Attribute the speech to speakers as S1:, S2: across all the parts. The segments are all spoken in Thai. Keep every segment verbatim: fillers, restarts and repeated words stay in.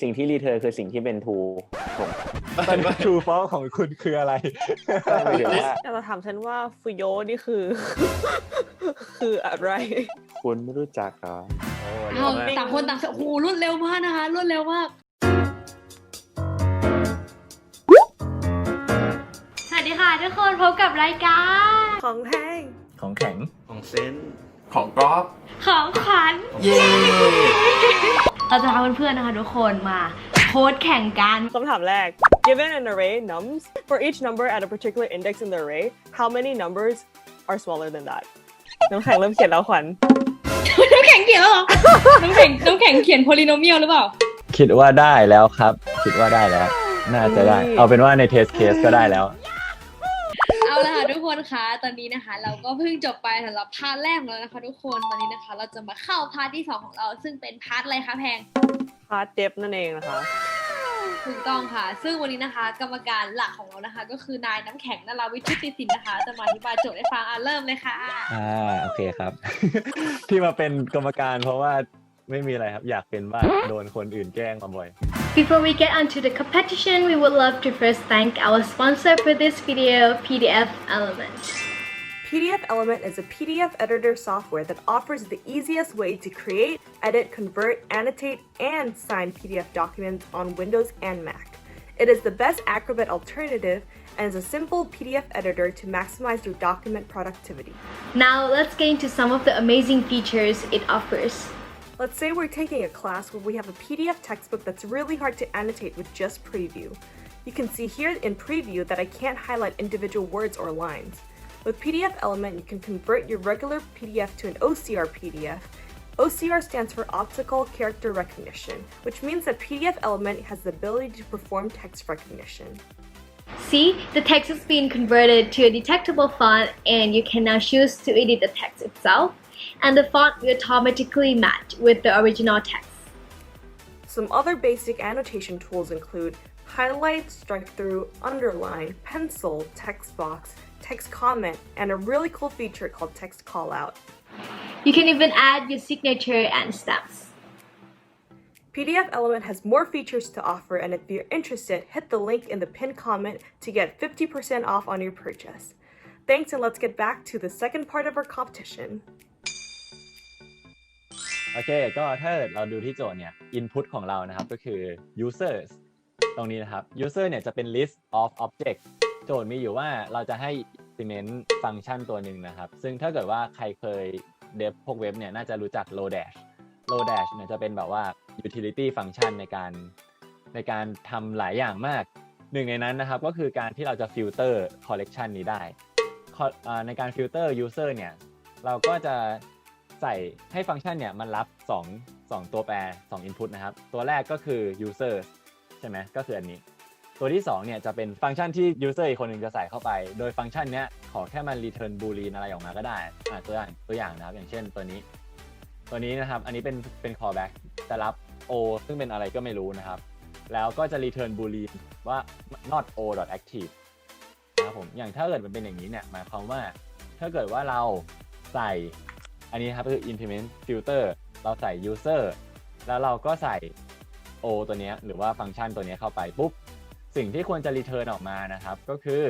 S1: สิ่งที่รีเทิร์นคือสิ่งที่เป็น true ผม
S2: ตอนนี้ true false ของคุณคืออะไร
S1: หมายถึงว่า
S3: แต่เราถามฉันว่าฟุโยนี่คือ คืออะไร
S1: คุณไม่รู้จักเหรอ
S4: เอาต่างคนต่างโอ้โหรวดเร็วมากนะคะรวดเร็วมากสวัสดีค่ะทุกคนพบกับรายการ
S3: ของแห้ง
S2: ของแข็ง
S5: ของเซนของกอล์ฟ
S4: ของขวัญ
S5: เย้
S4: เราจะพาเพื่อนๆนะคะทุกคนมาโค้ดแข่งกัน
S3: คำถามแรก Given an array nums for each number at a particular index in the array how many numbers are smaller than that น้ำแข็งเริ่มเขียนแล้วขวัญ
S4: น้ำแข็งเขียนแล้วเหรอน้ำแข็งน้ำแข็งเขียน polynomial หรือเปล่า
S2: คิดว่าได้แล้วครับคิดว่าได้แล้วน่าจะได้เอาเป็นว่าใน test case ก็ได้แล้ว
S4: เอาละค่ะทุกคนคะตอนนี้นะคะเราก็เพิ่งจบไปสำหรับพาร์ทแรกแล้วนะคะทุกคนวันนี้นะคะเราจะมาเข้าพาร์ทที่สองของเราซึ่งเป็นพาร์ทอะไรคะแพง
S3: พาร์ทเดฟนั่นเองนะคะ
S4: ถูกต้องค่ะซึ่งวันนี้นะคะกรรมการหลักของเรานะคะก็คือนายน้ำแข็งนราวิทย์ชุติสินนะคะจะมาอธิบายโจทย์ให้ฟังอ่ะเริ่มเลยค่ะ
S2: อ่าโอเคครับ ที่มาเป็นกรรมการเพราะว่าไม่มีอะไรครับอยากเป็นบ้างโดนคนอื่นแกล้งมาบ่อย
S6: Before we get onto the competition, we would love to first thank our sponsor for this video, P D F Element.
S3: P D F Element is a P D F editor software that offers the easiest way to create, edit, convert, annotate, and sign P D F documents on Windows and Mac. It is the best Acrobat alternative and is a simple P D F editor to maximize your document productivity.
S6: Now let's get into some of the amazing features it offers.
S3: Let's say we're taking a class where we have a P D F textbook that's really hard to annotate with just preview. You can see here in preview that I can't highlight individual words or lines. With P D F Element, you can convert your regular P D F to an O C R P D F. O C R stands for Optical Character Recognition, which means that P D F Element has the ability to perform text recognition.
S6: See, the text is being converted to a detectable font and you can now choose to edit the text itself, and the font will automatically match with the original text.
S3: Some other basic annotation tools include highlight, strike through, underline, pencil, text box, text comment, and a really cool feature called text callout.
S6: You can even add your signature and stamps.
S3: P D F Element has more features to offer, and if you're interested, hit the link in the pinned comment to get fifty percent off on your purchase. Thanks, and let's get back to the second part of our competition.
S2: โอเคก็ถ้าเราดูที่โจทย์เนี่ย input ของเรานะครับก็คือ users ตรงนี้นะครับ user เนี่ยจะเป็น list of object โจทย์มีอยู่ว่าเราจะให้ implement ฟังก์ชันตัวหนึ่งนะครับซึ่งถ้าเกิดว่าใครเคยเดฟพวกเว็บเนี่ยน่าจะรู้จัก Lodash Lodash เนี่ยจะเป็นแบบว่า utility function ในการในการทำหลายอย่างมากหนึ่งในนั้นนะครับก็คือการที่เราจะ filter collection นี้ได้ในการ filter user เนี่ยเราก็จะใส่ให้ฟังก์ชันเนี่ยมันรับสอง สองตัวแปรสอง input นะครับตัวแรกก็คือ user ใช่ไหมก็คืออันนี้ตัวที่สองเนี่ยจะเป็นฟังก์ชันที่ user อีกคนหนึ่งจะใส่เข้าไปโดยฟังก์ชันเนี้ยขอแค่มัน return boolean อะไรออกมาก็ได้อ่าตัวอย่างตัวอย่างนะครับอย่างเช่นตัวนี้ตัวนี้นะครับอันนี้เป็นเป็น callback จะรับ o ซึ่งเป็นอะไรก็ไม่รู้นะครับแล้วก็จะ return boolean ว่า not o active นะครับผมอย่างถ้าเกิดมันเป็นอย่างนี้เนี่ยหมายความว่าถ้าเกิดว่าเราใส่อันนี้ครับก็คือ implement filter เราใส่ user แล้วเราก็ใส่ o ตัวนี้หรือว่าฟังก์ชันตัวนี้เข้าไปปุ๊บสิ่งที่ควรจะ return ออกมานะครับก็คือ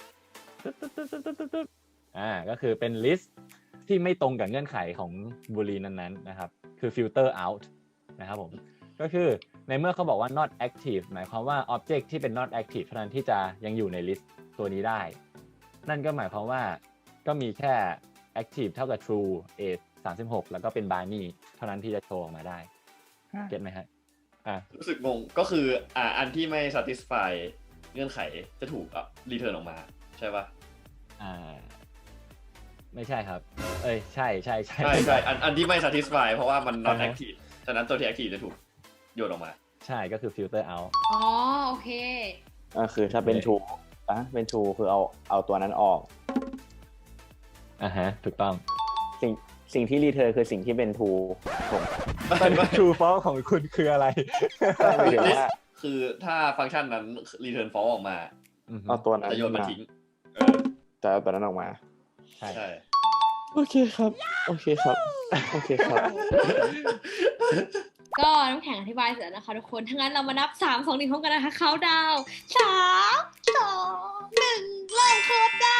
S2: อ่าก็คือเป็น list ที่ไม่ตรงกับเงื่อนไขของ boolean นั้นๆนะครับคือ filter out นะครับผมก็คือในเมื่อเขาบอกว่า not active หมายความว่า object ที่เป็น not active เท่านั้นที่จะยังอยู่ใน list ตัวนี้ได้นั่นก็หมายความว่าก็มีแค่active เท่ากับ true age สามสิบหกแล้วก็เป็น Barney เท่านั้นที่จะโชว์ออกมาได้เก็ตไหมฮะอ่ะ
S5: รู้สึกงงก็คืออ่าอันที่ไม่ satisfy เงื่อนไขจะถูกอ่ะ return ออกมาใช่ป่ะ
S2: อ่าไม่ใช่ครับเอ้ยใช่ใช่ใช่
S5: ใช่ใช่อันอันที่ไม่ satisfy เพราะว่ามัน not active ฉะนั้นตัวที่ active จะถูกโยนออกมา
S2: ใช่ก็คือ filter out
S4: อ๋อโอเค
S1: ก็คือถ้าเป็น true อ่ะเป็น true คือเอาเอาตัวนั้นออก
S2: อ่าฮะถูกต้อง
S1: สิ่งสิ่งที่รีเทิร์นคือสิ่งที่เป็น true ผม
S2: ตอนนี้ true false ของคุณคืออะไร
S1: หมายถึงว่า
S5: คือถ้าฟังก์ชันนั้น return false ออกมา
S1: เอาตัวนั้น
S5: จะโยนมันทิ้งเออ
S1: จะเอาตัวนั้นออกมา
S2: ใช่ใช่
S1: โอเคครับโอเคครับโอเคครับ
S4: ก็น้ำแข็งอธิบายเสร็จแล้วนะคะทุกคนถ้างั้นเรามานับสามสองหนึ่งพร้อมกันนะคะเขาดาวสามสองหนึ่งเริ่มโค้ดได้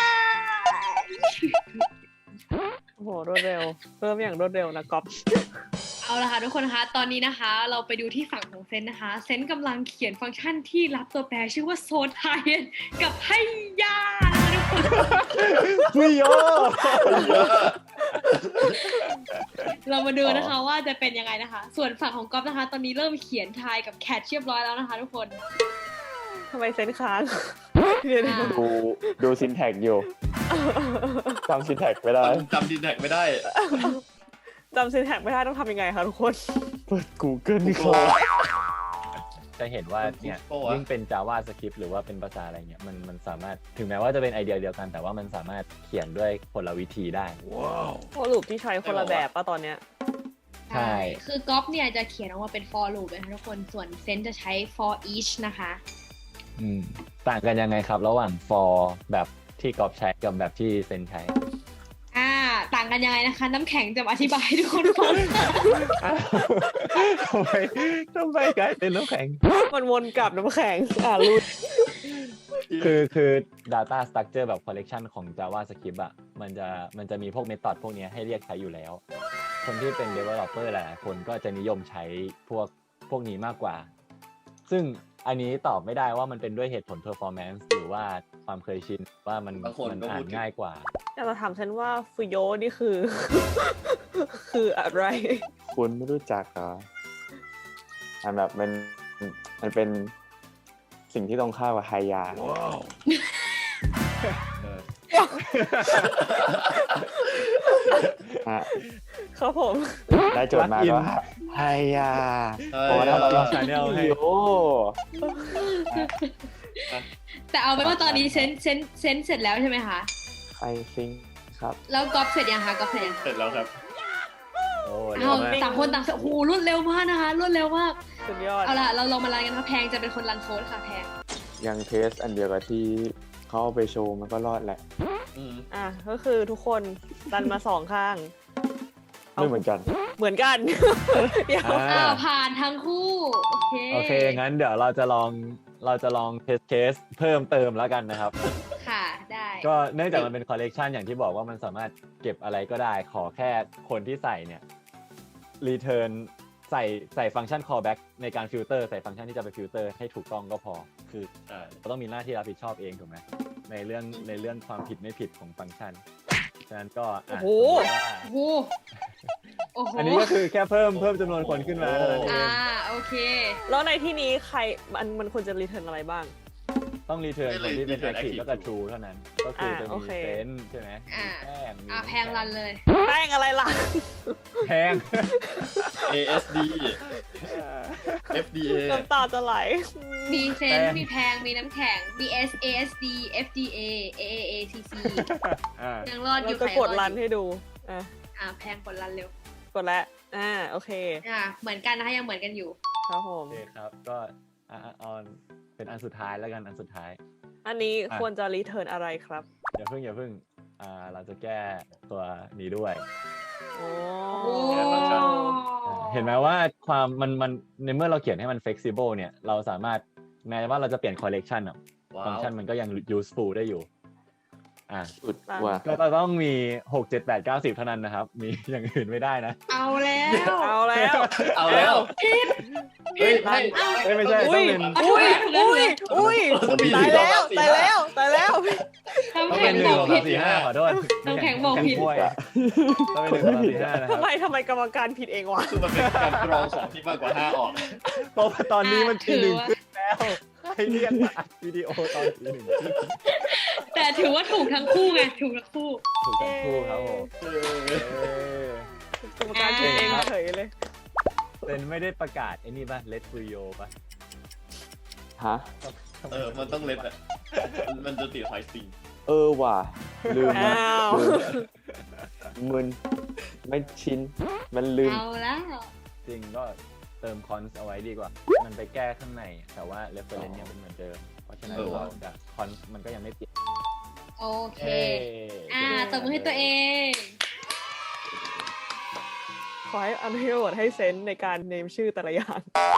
S3: โอ้โหรวดเร็วเริ่มอย่างรวดเร็วนะก๊อฟ
S4: เอาละค่ะทุกคนนะคะตอนนี้นะคะ เราไปดูที่ฝั่งของเซนนะคะ เซนกำลังเขียนฟังก์ชันที่รับตัวแปรชื่อว่าโซนไทยกับให้ยานะคะทุกคน
S1: พี่โย
S4: เรามาดูนะคะว่าจะเป็นยังไงนะคะ ส่วนฝั่งของก๊อฟนะคะ ตอนนี้เริ่มเขียนทายกับแคทเรียบร้อยแล้วนะคะ ทุกคน
S3: ทำไมเซนค้าง เดี๋ยว
S4: อ่า
S1: ดูดูซินแท็กอยู่จำซินแท็กไม่ได้
S5: จำดินแท็กไม่ได้
S3: จำซินแท็กไม่ได้ต้องทำยังไงคะทุกคน
S1: เปิด Google นี่ครับ
S2: จะเห็นว่าเนี่ย
S5: โอ้โห
S2: ยิ่งเป็น JavaScript หรือว่าเป็นภาษาอะไรเงี้ยมันมันสามารถถึงแม้ว่าจะเป็นไอเดียเดียวกัน แต่ว่ามันสามารถเขียนด้วยคนละวิธีได้
S3: โอ้ลูปที่ใช้คนละแบบป่ะตอนเนี้ย
S2: ใช่
S4: คือก๊อฟเนี่ยจะเขียนออกมาเป็น for loop นะคะทุกคน ส่วนเซนจะใช้ for each นะคะ
S2: อืมต่างกันยังไงครับ ระหว่าง for แบบที่กอบใช้กับแบบที่เซนใช้
S4: อ่า ต่างกันยังไงนะคะ น้ำแข็งจะมาอธิบายให้ทุกคนฟัง
S2: ทำไมทำไมกลายเป็นน้ำแข็ง
S3: มันวนกลับน้ำแข็งอ่ารูด
S2: คือคือ data structure แบบ collection ของ JavaScript อะมันจะมันจะมีพวก method พวกเนี้ยให้เรียกใช้อยู่แล้ว คนที่เป็น developer หลายๆคนก็จะนิยมใช้พวกพวกนี้มากกว่า ซึ่งอันนี้ตอบไม่ได้ว่ามันเป็นด้วยเหตุผล performance หรือว่าความเคยชินว่ามัน
S5: บางคน
S2: มัน
S5: ก็
S2: อ่า
S5: พู
S2: น
S5: ดถึง
S2: ง่ายกว่า
S3: อยากจะถามเซนว่าฟุโยนี่คือ คืออะไร
S1: คุณไม่รู้จักเหรออันแบบมันมันเป็นสิ่งที่ตรงข้ามกับไฮยา
S5: เออ
S1: ฮะ
S3: ครับผม
S1: ได้โจทย์มาก็ไฮยา
S5: เออ
S1: พอแล้วเรา
S2: ชาแนลให้
S1: โอ้
S4: แต่เอาเป็นว่าตอนนี้เซนเซนเซนเสร็จแล้วใช่ไหมคะ
S1: ใครซิงครับ
S4: แล้วก๊อฟเสร็จยังคะก๊อฟเสร็จยัง
S5: เสร็จแล้วครับ
S2: โอ้
S4: เอา
S2: เร็วมาก
S4: ต่างคนต่างโอ้โหรวดเร็วมากนะคะรวดเร็วมาก
S3: สุดยอด
S4: เอาล่ะเราลองมารันกันค่ะแพงจะเป็นคนรันโค้ดค่ะแพง
S1: ยังเทสอันเดียวกับที่เขาเอาไปโชว์มันก็รอดแหละ
S5: อืม
S3: อ่ะก็คือทุกคนดันมาสองข้าง
S1: ไม่เหมือนกัน
S3: เหมือนกัน เดี๋ยว
S2: อ่า
S4: อ้าวผ่านทั้งคู่โอเค
S2: โอเค งั้นเดี๋ยวเราจะลองเราจะลองเทสเคสเพิ่มเติมแล้วกันนะครับ
S4: ค่ะได้
S2: ก็เนื่องจากมันเป็นคอลเลกชันอย่างที่บอกว่ามันสามารถเก็บอะไรก็ได้ ขอแค่คนที่ใส่เนี่ยรีเทิร์นใส่ใส่ฟังก์ชัน callback ในการฟิลเตอร์ใส่ฟังก์ชันที่จะไปฟิลเตอร์ให้ถูกต้องก็พอ คือ
S5: ใช่
S2: เราต้องมีหน้าที่รับผิดชอบเองถูกไหมในเรื่องในเรื่องความผิดไม่ผิดของฟังก์ชันฉะนั้นก็อ่ะ
S3: โอ้โห
S2: สมมุติว่า
S4: โอ้โหโอ้โห
S2: อันนี้ก็คือแค่เพิ่มเพิ่มจำนวนคนขึ้นมาเท่านั้นเอ
S4: อ่าง โอเค
S3: แล้วในที่นี้ใครมันมันควรจะรีเทิร์นอะไรบ้าง
S2: ต้องรีเทิร์นคนที่เป็น
S5: return
S2: active
S5: active
S2: แล้วก็ true เท่านั้น ก็คือจะ
S3: อ่าโอ
S2: มี
S3: เค
S2: เซนใช่ไหม
S4: อ่า
S2: มีแป้งมี
S4: อ่าแพงรันเลย
S3: แป้งอะไรล่ะ
S2: แพง
S5: เอ เอส ดี เอฟ ดี เอ
S3: น้ำตาจะไหล
S4: มีเซน
S2: แพง
S4: มีแพงมีน้ำแข็ง บี เอส เอ เอส ดี เอฟ ดี เอ เอ เอ เอ ซี ซี
S2: อ่า
S4: ยังรอดอ
S3: เรา
S4: ยู่
S3: จะ
S4: ใคร
S3: กด
S4: รอ
S3: รั
S4: ด
S3: น
S4: อยู่
S3: ให้ดู อ่ะ
S4: อ่าแพงกดรันเร็ว
S3: กดแล้ว อ่า โอเค
S4: อ่าเหมือนกันนะคะยังเหมือนกันอยู่
S3: ครับผ
S2: โอ
S3: ม
S2: เคครับ ก็อ่าออนเป็นอันสุดท้ายแล้วกันอันสุดท้าย
S3: อันนี้
S2: อ่ะ
S3: ควรจะรีเทิร์นอะไรครับ
S2: อย่าเพิ่งอย่าเพิ่งอ่าเราจะแก้ตัวนี้ด้วย
S3: โอ้
S4: โอ้
S2: อ่าเห็นไหมว่าความมันมันในเมื่อเราเขียนให้มัน flexible เนี่ยเราสามารถแม้ว่าเราจะเปลี่ยน collection อ่ะ
S5: ว้า
S2: ฟังก์
S5: ว
S2: ชันมันก็ยัง useful ได้อยู่อ่า
S1: สุดว่ะ
S2: ก็ต้องมีหก เจ็ด แปด เก้า สิบเท่านั้นนะครับ มีอย่างอื่นไม่ได้นะ
S4: เอาแล้ว
S3: เอาแล้ว
S5: เอาแล้ว เฮ้ยไม่
S2: เอ้ยไม่ใช่
S3: อุ้ย
S2: ต้องเป็น
S3: อุ้ย อุ้ย อุ้ย ตายแล้ว ตายแล้ว ตายแล้ว
S4: น้ำ
S2: ต้อง
S4: แข็
S2: เป็
S4: ง
S2: นหนึ่
S4: บ
S2: ง
S4: อก
S2: สอง
S4: ผิ
S2: สา
S4: ด
S2: มสี่ห้าขอโทษ
S4: น้ำแข็งบอกผิด
S2: น้ำแข็งกล้วยต้องเป็นหนึ่งสองสามสี่ห้านะครั
S3: ทำ
S2: บ
S3: ไมทำไมกรรมการผิดเองวะ
S5: คือมันเป็นการกรองของที่มากกว่าห้าออก
S2: เพราะว่าตอนนี้มันตีหนึ่ง
S4: อ่ะ
S2: ขึ้นแล้วให้เรียกมาอัดวิดีโอตอนตีหนึ่งขึ้น
S4: แต่ถือว่าถูกทั้งคู่ไงถูกทั้งคู่
S2: ถูกทั้งคู่ครับผมเออก
S3: รรมการผิดเองเฉยเลย
S2: เป็นไม่ได้ประกาศไอ้นี่ป่ะ Let Free Yo ป่ะ
S1: ฮะ
S5: เออ มันต้องเล็ดอ่ะ มันจะติดไฮสติง
S1: เออว่ะ ลืมนะ
S3: อ้าว
S1: ลืมมึนไม่ชิน มันลืม
S4: เอาแล้ว
S2: จริงก็เติมคอนส์เอาไว้ดีกว่า มันไปแก้ข้างใน แต่ว่า reference ยังเป็นเหมือนเดิม เพราะฉะนั้น
S5: เออ
S2: เราจะคอนส์มันก็ยังไม่เปลี่ยน
S4: โอเค
S2: เอ้ย
S4: อ่าตบมือให้ตัวเอง ค
S3: ขอให้อันให้โหวตให้เซนส์ในการเนมชื่อแต่ละอย่าง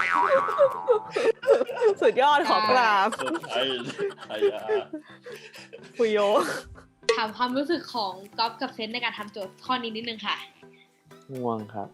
S3: สุดยอดขอกราบ
S5: เซอร์ไพรส์ไฮยา
S3: ฟุโย
S4: ถามความรู้สึกของก๊อฟกับเซนในการทำโจทย์ข้อนี้นิดนึงค่ะ
S1: ง่วงครับ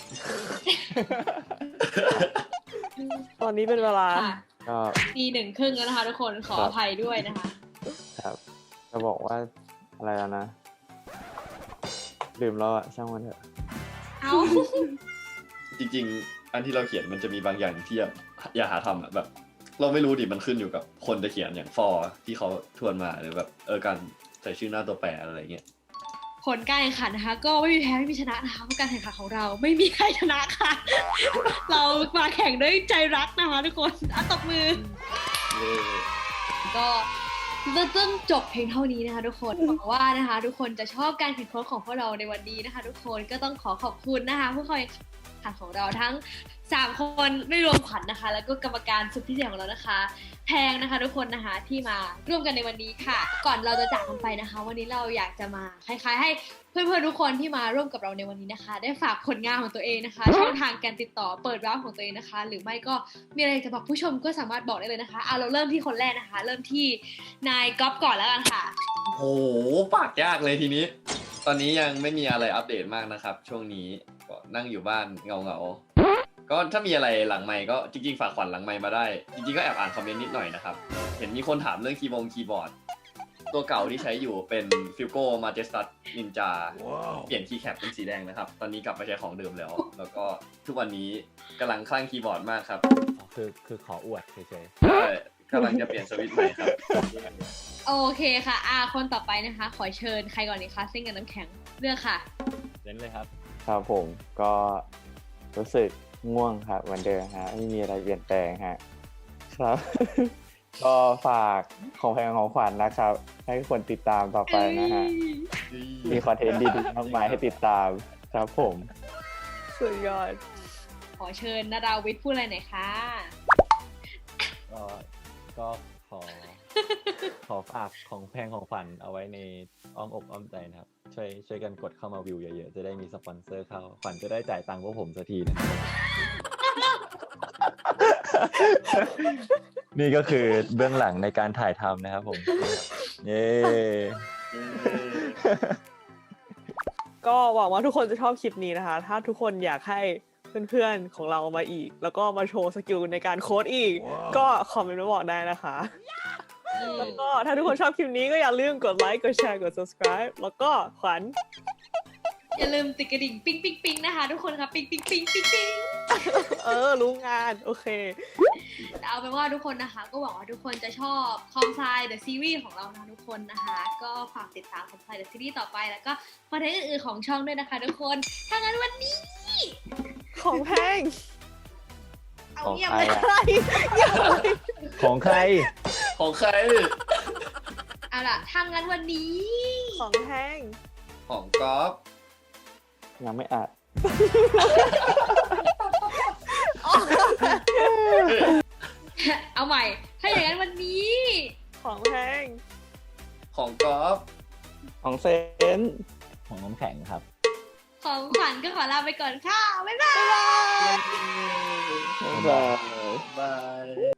S3: ตอนนี้เป็นเวลา
S4: ค่ะ
S1: ก็
S4: ตีหนึ่งครึ่งแล้วนะคะทุกคนขออภัยด้วยนะคะ
S1: ครับจะบอกว่าอะไรแล้วนะลืมแล้วอะช่างมันเถอะ
S4: เอา
S5: จริงๆ อันที่เราเขียนมันจะมีบางอย่างที่อย่าอย่าหาทำอะแบบ เราไม่รู้ดิมันขึ้นอยู่กับคนจะเขียนอย่างฟอร์ที่เขาทวนมาหรือแบบเออการใส่ชื่อหน้าตัวแปรอะไรเงี้ย
S4: ผลการแข่งขันนะคะ ก็ไม่มีแพ้ไม่มีชนะนะคะเพราะการแข่งขันของเราไม่มีใครชนะค่ะ เรามาแข่งด้วยใจรักนะคะทุกคนอ่ะตบมือ
S5: เย้
S4: ก็จะต้องจบเพียงเท่านี้นะคะทุกคนหวังว่านะคะทุกคนจะชอบการแข่งขันของพวกเราในวันนี้นะคะ ทุกคนก็ต้องขอขอบคุณนะคะผู้เข้าแข่งขันของเราทั้งสามคนไม่รวมขวัญนะคะ แล้วก็กรรมการสุดพิเศษของเรานะคะ แพงนะคะทุกคนนะคะที่มาร่วมกันในวันนี้ค่ะ ก่อนเราจะจากกันไปนะคะ วันนี้เราอยากจะมาคล้ายๆ ให้เพื่อนๆทุกคนที่มาร่วมกับเราในวันนี้นะคะ ได้ฝากผลงานของตัวเองนะคะช่องทางการติดต่อเปิดร้านของตัวเองนะคะ หรือไม่ก็มีอะไรจะบอกผู้ชมก็สามารถบอกได้เลยนะคะเอาเราเริ่มที่คนแรกนะคะ เริ่มที่นายก๊อฟก่อนแล้วกันค่ะ
S5: โหปากยากเลยทีนี้ ตอนนี้ยังไม่มีอะไรอัปเดตมากนะครับ ช่วงนี้ก็นั่งอยู่บ้านเงาเงาๆก็ถ้ามีอะไรหลังไมค์ก็จริงๆฝากขวัญหลังไมค์มาได้ จริงๆก็แอบอ่านคอมเมนต์นิดหน่อยนะครับ เห็นมีคนถามเรื่องคีย์บงคีย์บอร์ด ตัวเก่าที่ใช้อยู่เป็น Filco Majestat Ninja เปลี่ยนคีย์แคปเป็นสีแดงนะครับ ตอนนี้กลับมาใช้ของเดิมแล้ว แล้วก็ทุกวันนี้กำลังคลั่งคีย์บอร์ดมากครับ
S2: อ๋อคือคือขออวดเฉย
S5: ใช่กำลังจะเปลี่ยนสวิตช์ใหม่ครับ
S4: โอเคค่ะอ่าคนต่อไปนะคะ ขอเชิญใครก่อนดีคะซิ่งกับน้ำแข็งเลือกค่ะ
S2: ๆเล่นเลยครับ
S1: ครับผมก็รู้สึกง่วงครับเหมือนเดิมฮะไม่มีอะไรเปลี่ยนแปลงฮะครับ ก็ฝากของแพงของขวัญนะครับ ให้คนติดตามต่อไปนะฮะมีคอนเทนต์ดีๆมากมายให้ติดตามครับผม
S3: สุดยอด
S4: ขอเชิญนาดาวิทย์พูดอะไรหน่อยค่ะ
S2: ก็ก็ขอ ขอฝากของแพงของขวัญเอาไว้ในอ้อมอกอ้อมใจนะครับ ช่วยช่วยกันกดเข้ามาวิวเยอะๆ จะได้มีสปอนเซอร์เข้าขวัญจะได้จ่ายตังค์พวกผมสักทีนะครับ นี่ก็คือเบื้องหลังในการถ่ายทำนะครับผม เย้
S3: ก็หวังว่าทุกคนจะชอบคลิปนี้นะคะ ถ้าทุกคนอยากให้เพื่อนๆของเรามาอีก แล้วก็มาโชว์สกิลในการโค้ดอีก ก็คอมเมนต์มาบอกได้นะคะ แล้วก็ถ้าทุกคนชอบคลิปนี้ก็อย่าลืมกดไลค์ กดแชร์ กด subscribe แล้วก็ขวัญ
S4: อย่าลืมติดกระดิ่งปิ๊งปิ๊งปิ๊งนะคะทุกคนครับปิ๊งปิ๊งปิ๊งปิ๊งปิ๊ง
S3: เออ รู้งาน โอเค
S4: เอาเป็นว่าทุกคนนะคะ ก็หวังว่าทุกคนจะชอบคอมไซเดอะซีรีส์ของเรานะทุกคนนะคะ ก็ฝากติดตามคอมไซเดอะซีรีส์ต่อไปแล้วก็คอนเทนต์อื่นๆของช่องด้วยนะคะทุกคนถ้างั้นวันนี้
S3: ของแพง
S4: เอา
S1: ของ
S4: เงียบ
S1: ใคร
S4: เลย
S1: อะ
S3: อะไรอย่าเลย
S2: ของใคร
S5: ของใคร
S4: เอาล่ะถ้างั้นวันนี้
S3: ของแพง
S5: ของก๊อฟ
S1: ยังไม่อัด
S4: เอาใหม่ ถ้าอย่างนั้นวันนี้
S3: ของแพง
S5: ของก๊อฟ
S1: ของเซน
S2: ของน้ำแข็งครับ
S4: ของขวัญก็ขอลาไปก่อนค่ะบ๊ายบาย
S1: บ๊ายบาย
S5: บาย